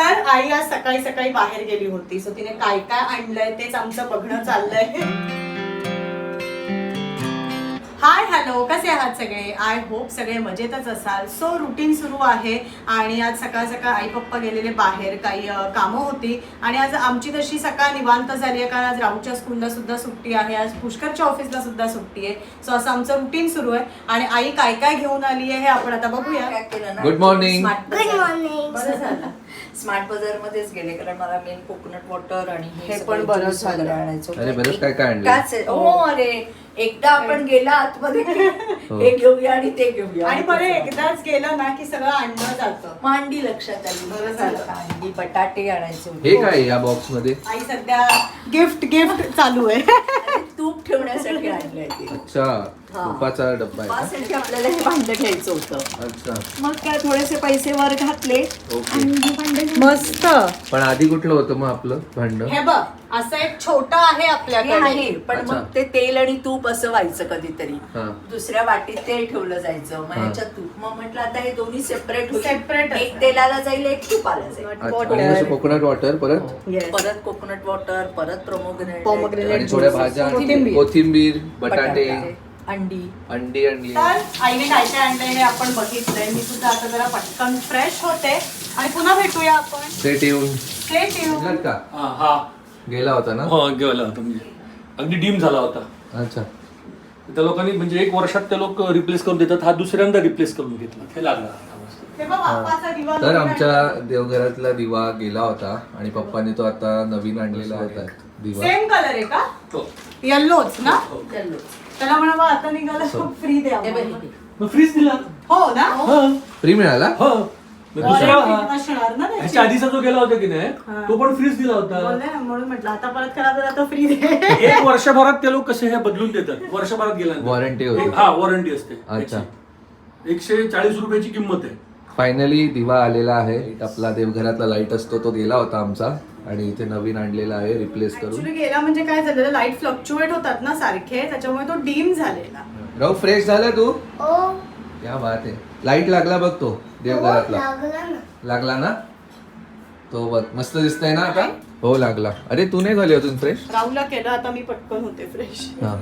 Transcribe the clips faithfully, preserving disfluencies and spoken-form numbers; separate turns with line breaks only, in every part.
तर आई आज सकाळी सकाळी बाहेर गेली होती, सो तिने काय काय आणलंय तेच आमचं बघणं चाललंय. हाय हॅलो, कसे आहात सगळे? आय होप सगळे मजेतच असाल. सो रुटीन सुरू आहे आणि आज सकाळ सकाळ आई पप्पा गेलेले बाहेर, काही कामं होती आणि आज आमची तशी सकाळ निवांत झाली आहे कारण आज राहूच्या स्कूलला सुद्धा सुट्टी आहे, आज पुष्करच्या ऑफिसला सुद्धा सुट्टी आहे. सो असं आमचं रुटीन सुरू आहे आणि आई काय काय घेऊन आली आहे हे आपण आता बघूया.
Good morning.
Good morning.
बरं झालं
स्मार्ट बाजार मध्येच गेले कारण मला मेन कोकोनट वॉटर आणि
हे पण बरं झालं.
आणायचं
अरे बरंच काय काय आणलं.
काच आहे. हो अरे एकदा आपण गेला आतमध्ये हे घेऊया आणि ते घेऊया
आणि बरं एकदाच गेलं ना की सगळं आणलं जातं.
मांडी लक्षात आली.
बरं झालं.
कांदी बटाटे आणायचे होते.
हे काय या बॉक्स मध्ये?
आई सध्या गिफ्ट गिफ्ट चालू आहे.
आणि तूप ठेवण्यासाठी आणलंय ते.
अच्छा, तुपाचा डब्बा आहे का?
तुपासाठी आपल्याला हे भांडं घ्यायचं होतं.
अच्छा,
मग काय थोडेसे पैसे वर घातले
ओके.
आणि हे भांडं
मस्त.
पण आधी कुठलं होतं मग आपलं भांड?
हे बघ असं एक छोटं आहे
हे
आपल्याकडे.
आहे पण
अच्छा.
मग ते तेल आणि तूप असं व्हायचं कधीतरी.
हा.
दुसऱ्या वाटीत तेल ठेवलं जायचं, मग
हा.
ह्याच्यात तूप. मग म्हटलं आता हे दोन्ही सेपरेट
Separate
एक तेलाला जाईल एक तुपाला जाईल.
अच्छा, आणि असं कोकोनट वॉटर परत
Yes.
परत कोकोनट वॉटर, परत
Pomegranate.
प्रोमोग्रेनेट
आणि थोड्या भाज्या,
कोथिंबीर.
कोथिंबीर, बटाटे,
अंडी.
अंडी आणली.
तर आईने काय काय आणलंय हे आपण बघितलंय. मी सुद्धा आता जरा पटकन फ्रेश होते आणि पुन्हा भेटूया आपण.
सेट येऊन
Stay tuned.
आणलात का?
हा हा
गेला होता ना?
हो गेला होता म्हणजे अगदी डीम झाला होता.
अच्छा,
त्या लोकांनी म्हणजे एक वर्षात ते लोक रिप्लेस करून देतात, हा दुसऱ्यांदा रिप्लेस करून घेतला. हे लागला
हे बघ बाप्पाचा दिवा
तर
नवीन
आमच्या
आणलाय.
देवघरातला दिवा गेला होता आणि पप्पानी तो आता नवीन आणलेला होता दिवा.
सेम कलर आहे का?
हो.
येल्लोच ना?
चलो.
त्याला म्हणा बा आता निघाला फ्री द्या
हे बघ
आम्हाला.
इथे.
मग फ्रीज दिला.
हो ना?
हा.
फ्री मिळाला?
हो. मग दुसरा
Warranty
हा.
असणार ना त्याची.
ह्याच्या आधीचा जो गेला होता की नाही
हा.
तो पण फ्रीज दिला होता.
बोलले ना म्हणून म्हटलं आता परत करा तर आता फ्री दे.
एक वर्षभरात ते लोक कसे हे बदलून देतात. वर्षभरात गेला
Warranty होती.
हा वॉरंटी असते.
अच्छा.
त्याची. एकशे चाळीस रुपयाची किंमत आहे.
फायनली दिवा आलेला आहे. आपला देवघरातला लाईट असतो तो गेला होता आमचा आणि इथे नवीन आणलेला आहे रिप्लेस करून.
ऍक्च्युली गेला म्हणजे काय झालेलं, लाईट फ्लक्च्युएट होतात ना सारखे, त्याच्यामुळे तो डीम झालेला.
राव फ्रेश झाला तू?
ओ
क्या बात आहे. लाईट लागला बघ तो देवघरातला.
लागला ना.
लागला ना? तो बघ मस्त दिसतंय ना आता? हो लागला. अरे तू नाही झाली अजून फ्रेश?
राहुलला केलं, आता मी पटकन होते फ्रेश.
हा.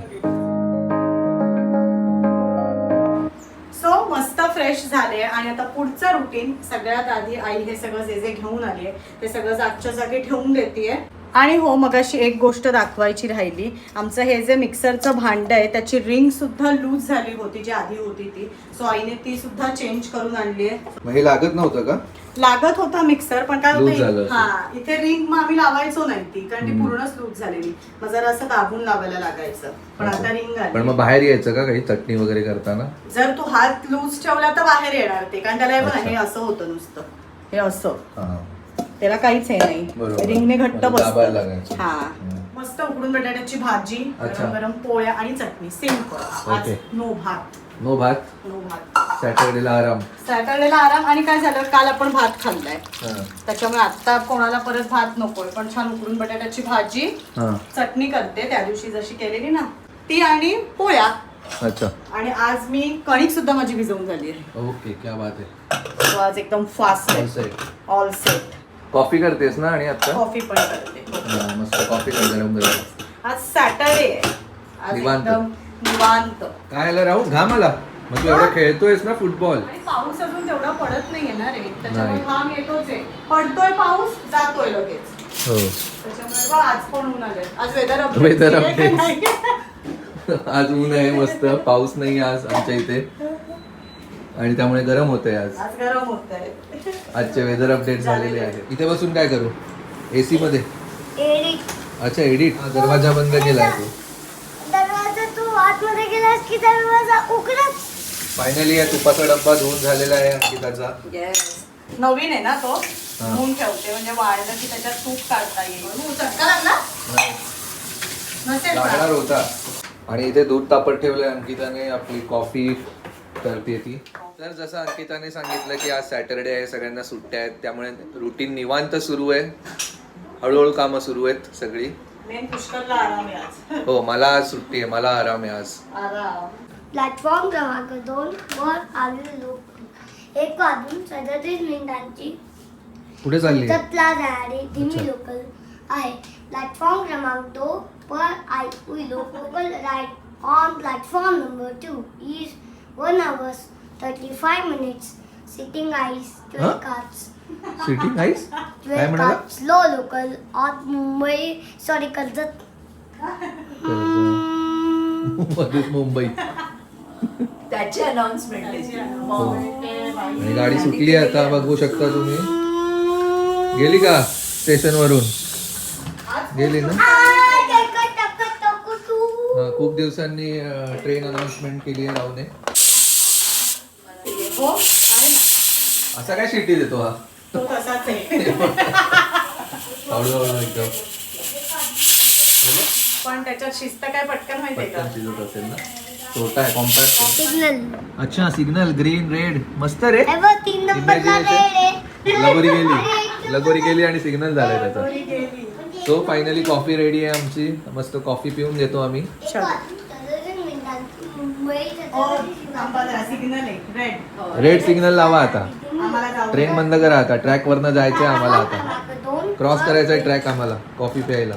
सो मस्त फ्रेश झाले आणि आता पुढचं रुटीन. सगळ्यात आधी आई हे सगळं जे जे घेऊन आली आहे ते सगळं जागच्या जागी ठेवून देतेय. आणि हो मगाशी एक गोष्ट दाखवायची राहिली. आमचं हे जे मिक्सरचं भांड आहे त्याची रिंग सुद्धा लूज झाली होती जी आधी होती ती. सो आईने ती सुद्धा चेंज करून आणली आहे.
मग हे लागत नव्हतं का?
लागत होता मिक्सर पण काय
Loose झालं
होतं,
असेल.
हा इथे रिंग मग आम्ही लावायचो नाही ती कारण ती
हम्म.
पूर्णच लूज झालेली. मग जरा असं दाबून लावायला लागायचं, पण आता रिंग
पण
आली.
मग बाहेर यायचं का काही चटणी वगैरे करताना?
जर तू हात लूज ठेवला तर बाहेर येणार ते, कारण त्याला हे बघ ना,
अच्छा.
हे असं होतं नुसतं, हे असं,
हा.
त्याला काहीच हे नाही.
बरोबर.
रिंगने घट्ट
म्हणजे दाबायला
बसतं.
लागायचं.
हा
हम्म.
मस्त उकडून बटाट्याची भाजी,
अच्छा.
गरम गरम पोळ्या आणि चटणी सिंपल. आज
ओके.
नो भात.
नो भात.
नो भात.
सॅटर्डेला आराम.
सॅटर्डेला आराम. आणि काय झालं, काल आपण भात खाल्लाय
हा.
त्याच्यामुळे आता कोणाला परत भात नकोय, पण छान उकडून बटाट्याची भाजी,
हा.
चटणी करते त्या दिवशी जशी केलेली ना ती, आणि पोळ्या.
अच्छा.
आणि आज मी कणिक सुद्धा माझी भिजवून झाली आहे.
ओके, क्या बात आहे.
So आज एकदम फास्ट
All
आहे.
set.
All set.
कॉफी करतेस ना? आणि आता
कॉफी पण करते.
हा, मस्त कॉफी कर गरम गरम.
आज सॅटरडे आहे. आज
निवांत.
एकदम निवांत.
काय आला राहू? घाम आला? मग तू एवढा खेळतोयस ना फुटबॉल?
आणि पाऊस अजून तेवढा पडत नाहीये ना रे, त्याच्यामुळे
नाही.
घाम येतोच आहे. पडतोय पाऊस, जातोय लगेच.
हो.
त्याच्यामुळे बघ आज पण ऊन आलंय. आज वेदर
Weather
अपडेट
updates. आज ऊन आहे मस्त, पाऊस नाही आज आमच्या इथे आणि त्यामुळे गरम होतंय आज.
आज गरम होत आहे.
आजचे वेदर अपडेट झालेले आहे. इथे बसून काय करू? एसी मध्ये?
एडिट.
अच्छा एडिट. दरवाजा बंद केलाय तू.
दरवाजा तू आतमध्ये गेलास की दरवाजा उघडत.
फायनली या तुपाचा डब्बा धुवून झालेला आहे अंकिताचा.
Yes.
नवीन आहे ना तो,
हा.
धुवून ठेवते म्हणजे वाळलं की त्याच्यात तूप काढता येईल. तू चटका लागला
नाही,
नसेल
लागणार
का?
होता. आणि इथे दूध तापत ठेवलंय अंकिताने. आपली कॉफी करते ती. तर जसं अंकिताने सांगितलं की आज सॅटरडे आहे, सगळ्यांना सुट्ट्या आहेत, त्यामुळे रुटीन निवांत सुरू आहे. हळूहळू कामं सुरू आहेत सगळी.
मेन पुष्करला आराम आहे आज.
हो, मला आज सुट्टी आहे, मला आराम आहे आज.
आराम.
प्लॅटफॉर्म क्रमांक दोन वर आलेले लोक एक वाजून सदतीस मिनिटांची
कुठे चालली
कर्जतला जाणारी धीमी लोकल आहे. प्लॅटफॉर्म क्रमांक दो पर आई हुई local ride on platform number two is one hours thirty five minutes. Sitting is twelve cars
sitting is काय
ट्वेल्व
म्हणाला
cars slow local on Mumbai sorry Karjat
मध्येच मुंबई
त्याची अनाउन्समेंट
आणि गाडी सुटली आता बघू शकता तुम्ही. गेली का स्टेशन वरून गेली ना. हा, खूप दिवसांनी ट्रेन अनाउन्समेंट केली आहे रावने.
हो आहे ना.
असा काय शिटी देतो हा
तो तसाच आहे.
हळूहळू एकदम
पण त्याच्यात शिस्त काय पटकन माहितीये का?
पटकन शिजत असेल ना. छोटा आहे कॉम्पॅक्ट.
सिग्नल
अच्छा सिग्नल ग्रीन रेड मस्त रे.
हे बघ तीन नंबरला रेड आहे.
लगोरी गेली लगोरी गेली आणि सिग्नल झालाय त्याचा. सो फायनली कॉफी रेडी आहे आमची. मस्त कॉफी पिऊन घेतो आम्ही.
सिग्नल आहे रेड.
रेड सिग्नल लावा आता.
आम्हाला जाऊ
ट्रेन बंद करा आता. ट्रॅक वरनं जायचंय आम्हाला आता.
दोन
क्रॉस करायचा आहे ट्रॅक आम्हाला कॉफी प्यायला.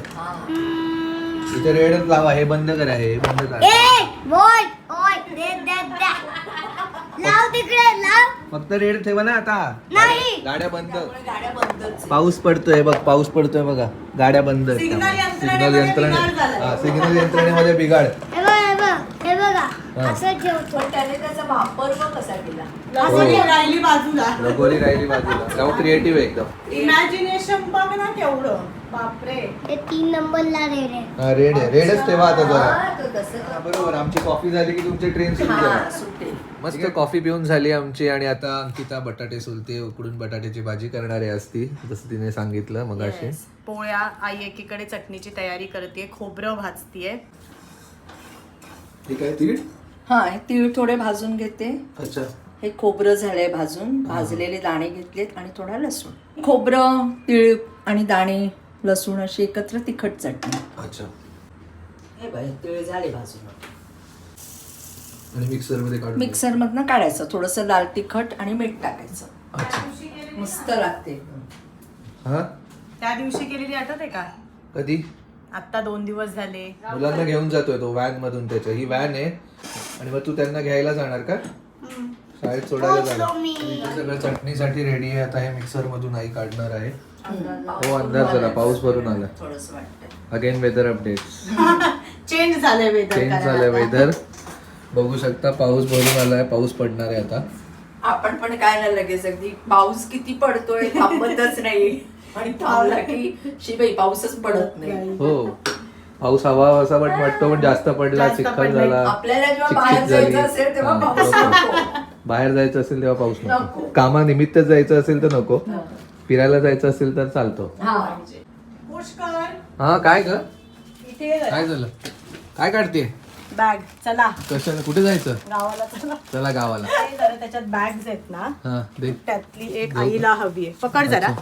इथे रेडच लावा. हे बंद करा. हे बंद करा.
ए बोल ओय दे दे दे लाव तिकडे लाव.
फक्त रेड ठेवा ना आता.
नाही.
गाड्या बंद.
गाड्या बंदच.
पाऊस पडतोय बघ. पाऊस पडतोय बघा. गाड्या बंद आहेत.
सिग्नल
सिग्नल
यंत्रणेमध्ये
यंत्रणे
बिघाड झालाय.
हा सिग्नल यंत्रणेमध्ये बिघाड.
हे बघ हे बघ हे बघा
हा.
असं ठेवतो.
पण त्याने त्याचा वापर पण कसा केला.
लगोरी राहिली बाजूला.
लगोरी राहिली बाजूला. जाऊ क्रिएटिव्ह आहे एकदम.
इमॅजिनेशन बघ ना केवढं. बापरे.
हे तीन नंबरला रेड आहे.
हा रेड आहे. रेडच ठेवा आता जरा.
हा, तो तसं
हा, बरोबर. आमची कॉफी झाली की तुमची ट्रेन सुरू
हा
करा.
सुटेल.
मस्त कॉफी पिऊन झाली आमची आणि आता अंकिता बटाटे सोलते. उकडून बटाट्याची भाजी करणार आहे असती जसं तिने सांगितलं मगाशी.
Yes. पोळ्या आई एकीकडे चटणीची तयारी करते. खोबरं भाजतीये.
ठीक आहे तीळ.
हा हे तीळ थोडे भाजून घेते.
अच्छा
हे खोबरं झालंय भाजून. भाजलेले दाणे घेतलेत आणि थोडा लसूण. खोबरं तीळ आणि दाणे लसूण अशी एकत्र तिखट चटणी.
अच्छा.
हे बघ तीळ झाले भाजून.
आणि मिक्सर मध्ये काढून
मिक्सर मधनं काढायचं. थोडंसं लाल तिखट आणि मीठ टाकायचं.
अच्छा.
मस्त लागते.
हा
त्या दिवशी केलेली आठवते का?
कधी
आता दोन दिवस झाले.
मुलांना घेऊन जातोय तो व्हॅन मधून. त्याच्या ही व्हॅन आहे आणि मग तू त्यांना घ्यायला जाणार का? शाळेत सोडायला जाणार. इथे सगळं चटणीसाठी रेडी आहे. आता हे मिक्सर मधून आई काढणार आहे. हो अंदाज झाला. पाऊस भरून आला.
थोडस वाटतं.
Again weather update.
चेंज झालंय वेदर.
चेंज झालंय वेदर. बघू शकता पाऊस भरून आलाय. पाऊस पडणार आहे आता.
आपण पण काय नाही लगेच अगदी पाऊस किती पडतोय थांबतच नाही. आणि थांबला की शिवाय पाऊसच पडत नाही.
हो पाऊस हवा असा पण वाटतो पण जास्त पडला
जास्त
चिखल
पडला.
झाला.
आपल्याला जेव्हा
चिकचिक
बाहेर
झाली.
जायचं असेल तेव्हा
हा,
पाऊस
बरोबर.
नको.
बाहेर जायचं असेल तेव्हा पाऊस नको.
नको.
कामानिमित्त जायचं असेल तर नको. फिरायला जायचं असेल तर चालतो.
हा
पुष्कर
हा काय ग
इथे
काय झालं? काय काढते?
बॅग. चला
कशाला कुठे जायचं?
गावाला चला.
चला गावाला.
हे जरा त्याच्यात बॅग्स आहेत ना.
हा दे.
त्यातली एक आईला हवी आहे. पकड जरा.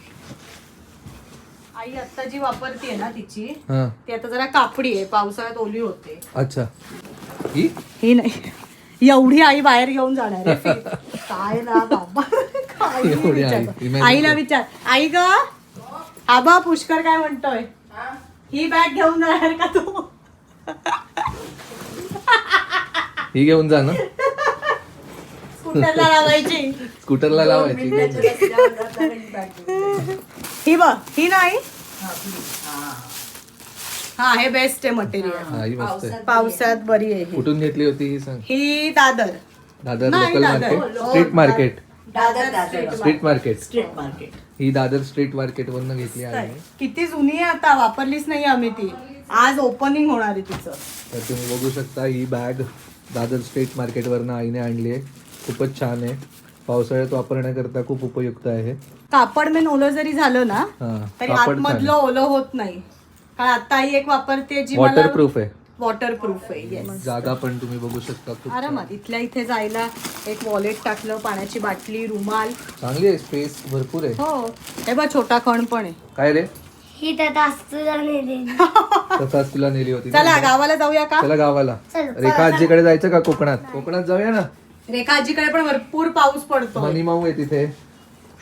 आई आता जी वापरतीये ना तिची
हा
ती आता जरा कापडी आहे. पावसाळ्यात ओली होते.
अच्छा. ही
ही नाही एवढी आई बाहेर घेऊन जाणार आहे. काय ना बाबा. काय
एवढी आई.
विचार.
Imagine
आईला
कर.
विचार. आई ग आबा पुष्कर काय म्हणतोय? ही बॅग घेऊन जाणार का तू?
ही घेऊन जा ना.
स्कूटरला लावायची.
स्कूटरला लावायची. घेऊन जा.
ही बघ ही नाही. हा हे बेस्ट आहे मटेरियल.
हा ही मस्त आहे.
पावसात बरी आहे ही.
कुठून घेतली होती ही सांग.
ही दादर.
दादर
नाही,
लोकल
दादर.
मार्केट.
हो,
street market.
Dadar Dadar
street market.
Street market.
ही दादर स्ट्रीट मार्केट वरनं घेतली आहे.
किती जुनी आहे आता. वापरलीच नाही आम्ही ती. आज ओपनिंग होणार आहे तिचं.
तर तुम्ही बघू शकता ही बॅग दादर स्ट्रीट मार्केट वरनं आईने आणली आहे. खूपच छान आहे. पावसाळ्यात वापरण्याकरता खूप उपयुक्त आहे.
कापड मेन ओलं जरी झालं ना
हा
तरी
कापड
आतमधलं ओलं होत नाही. कारण आता आई एक वापरते जी मला
वॉटरप्रूफ आहे.
वॉटरप्रूफ आहे. येस.
जागा पण तुम्ही बघू शकता खूप छान.
आरामात इथल्या इथे जायला एक वॉलेट टाकलं. पाण्याची बाटली रुमाल.
चांगली आहे. स्पेस भरपूर आहे.
हो हे बघ छोटा खण पण आहे.
काय रे
ही त्यात असतं नेली.
तसाच तुला नेली होती.
चला गावाला जाऊया का?
चला गावाला.
चल,
रेखा आजीकडे जायचं का? कोकणात. कोकणात जाऊया ना.
रेखा आजीकडे पण भरपूर पाऊस पडतो.
मनी माऊ आहे तिथे.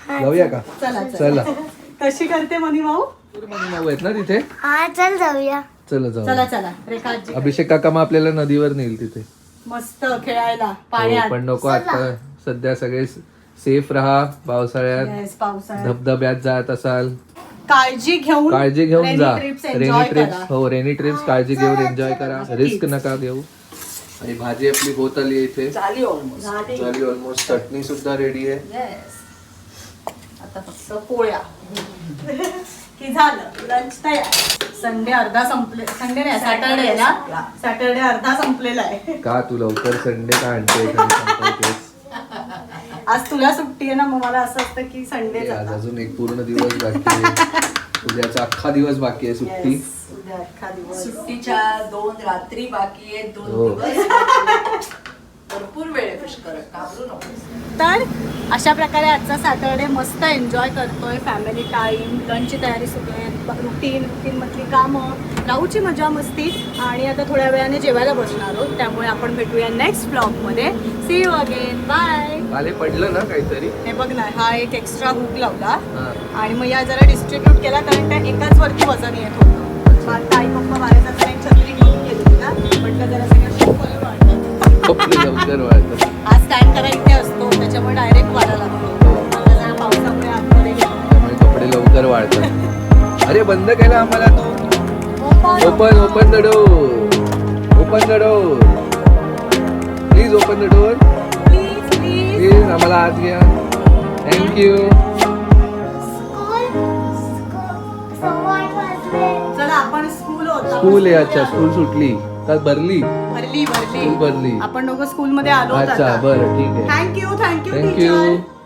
जाऊया का
चला
चला
कशी करते मनी भाऊ
मनी भाऊ आहेत ना तिथे
हा चल जाऊया.
चला जाऊ
चला चला रेखा आजी
अभिषेक काका मग आपल्याला नदीवर नेईल तिथे
मस्त खेळायला
हो,
पाण्यात
पण नको आता सध्या सगळे सेफ राहा पावसाळ्यात
Yes, पावसाळ्यात
धबधब्यात जात असाल
काळजी घेऊन
काळजी घेऊन
rainy
जा
trips
रेनी
enjoy
ट्रिप्स
करा.
हो रेनी ट्रिप्स काळजी घेऊन एन्जॉय करा रिस्क नका घेऊ आणि भाजी आपली होत आली इथे
झाली ऑलमोस्ट
झाली ऑलमोस्ट चटणी सुद्धा रेडी आहे
येस
आता फक्त पोळ्या की झालं लंच तयार संडे अर्धा संपले संडे नाही सॅटरडे ना सॅटरडे अर्धा संपलेला आहे
का तू लवकर संडे का आणते
आज तुला सुट्टी आहे ना मग मला असं असतं की संडे
आज अजून एक पूर्ण दिवस बाकी आहे उद्याचा अख्खा दिवस बाकी आहे सुट्टी
उद्या अख्खा दिवस
सुट्टीच्या दोन रात्री बाकी आहेत दोन
हो.
दिवस बाकी आहेत. भरपूर वेळ आहे पुष्कर घाबरू नको.
तर अशा प्रकारे आजचा सॅटरडे मस्त एन्जॉय करतोय फॅमिली टाईम लंचची तयारी सुरू आहे रुटीन रुटीनमधली कामं राहूची मजा मस्ती आणि आता थोड्या वेळाने जेवायला बसणार आहोत त्यामुळे आपण भेटूया नेक्स्ट ब्लॉगमध्ये सी यू अगेन बाय
आले पडलं ना काहीतरी
हे बघ ना हा एक एक्स्ट्रा हुक लावला
हा.
आणि मग या जरा डिस्ट्रीब्यूट केला कारण त्या एकाच वरती वजन येत होतं मग आता आई पप्पा बाहेर जाताना एक छत्री घेऊन गेली ना म्हटलं जरा सगळं शिकवलं वाटतं
कपडे लवकर वाळतात
आज स्टँड करा इथे असतो त्याच्यामुळे डायरेक्ट वाढा लागतो मला जरा पावसामुळे आतमध्ये गेलो
त्यामुळे कपडे लवकर वाळतात अरे बंद केला आम्हाला तू open open the door open the door please open the door
please please
please आम्हाला आत घ्या थँक्यू
स्कूल सव्वा वाजले.
चला आपण स्कूल होता
स्कूल आहे अच्छा स्कूल सुटली का भरली
भरली
स्कूल
भरली
भरली
आपण दोघं स्कूल मध्ये आलो
अच्छा बरं ठीक आहे
थँक्यू थँक्यू
थँक्यू